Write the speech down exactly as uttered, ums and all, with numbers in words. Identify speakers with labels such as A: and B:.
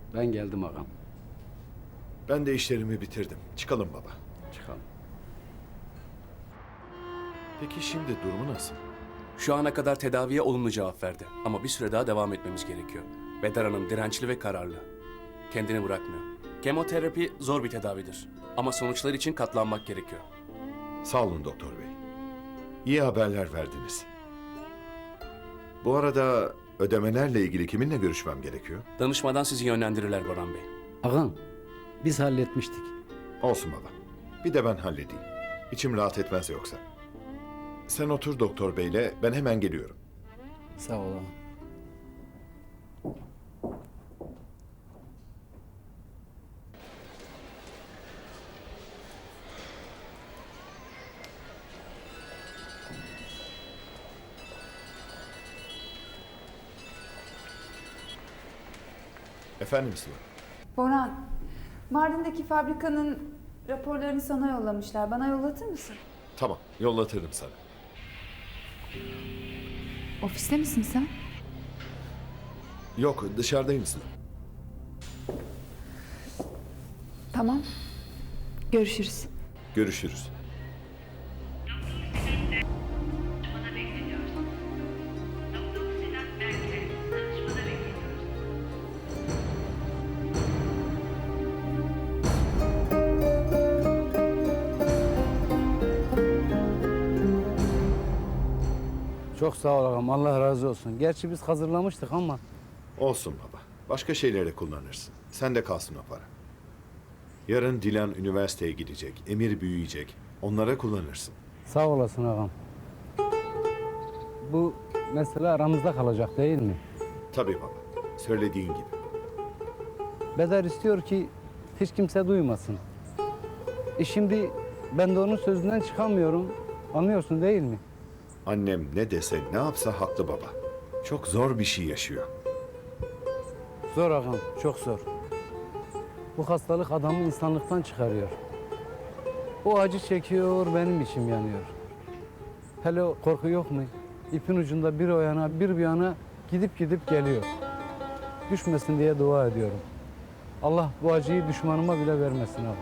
A: Ben geldim ağam.
B: Ben de işlerimi bitirdim. Çıkalım baba.
A: Çıkalım.
B: Peki şimdi durumu nasıl?
C: Şu ana kadar tedaviye olumlu cevap verdi. Ama bir süre daha devam etmemiz gerekiyor. Bedar Hanım dirençli ve kararlı. Kendini bırakmıyor. Kemoterapi zor bir tedavidir. Ama sonuçlar için katlanmak gerekiyor.
B: Sağ olun doktor bey. İyi haberler verdiniz. Bu arada ödemelerle ilgili kiminle görüşmem gerekiyor?
C: Danışmadan sizi yönlendirirler Boran Bey.
A: Ağam, biz halletmiştik.
B: Olsun baba. Bir de ben halledeyim. İçim rahat etmez yoksa. Sen otur doktor beyle, ben hemen geliyorum.
A: Sağ ol ağam.
B: Efendim Sıla?
D: Boran, Mardin'deki fabrikanın raporlarını sana yollamışlar. Bana yollatır mısın?
B: Tamam, yollatırım sana.
D: Ofiste misin sen?
B: Yok, dışarıdayım Sıla.
D: Tamam. Görüşürüz.
B: Görüşürüz.
E: Danışmada bekleniyoruz. Doktor Sinan Berke, danışmada bekleniyoruz.
A: Çok sağ ol ağam, Allah razı olsun. Gerçi biz hazırlamıştık ama...
B: Olsun baba. Başka şeylere kullanırsın. Sen de kalsın o para. Yarın Dilan üniversiteye gidecek, Emir büyüyecek. Onlara kullanırsın.
A: Sağ olasın ağam. Bu mesele aramızda kalacak değil mi?
B: Tabii baba. Söylediğin gibi.
A: Bedar istiyor ki hiç kimse duymasın. E şimdi ben de onun sözünden çıkamıyorum. Anlıyorsun değil mi?
B: Annem ne dese ne yapsa haklı baba. Çok zor bir şey yaşıyor.
A: Zor ağam, çok zor. Bu hastalık adamı insanlıktan çıkarıyor. O acı çekiyor, benim içim yanıyor. Hele o korku yok mu? İpin ucunda bir o yana, bir bu yana gidip gidip geliyor. Düşmesin diye dua ediyorum. Allah bu acıyı düşmanıma bile vermesin ağam.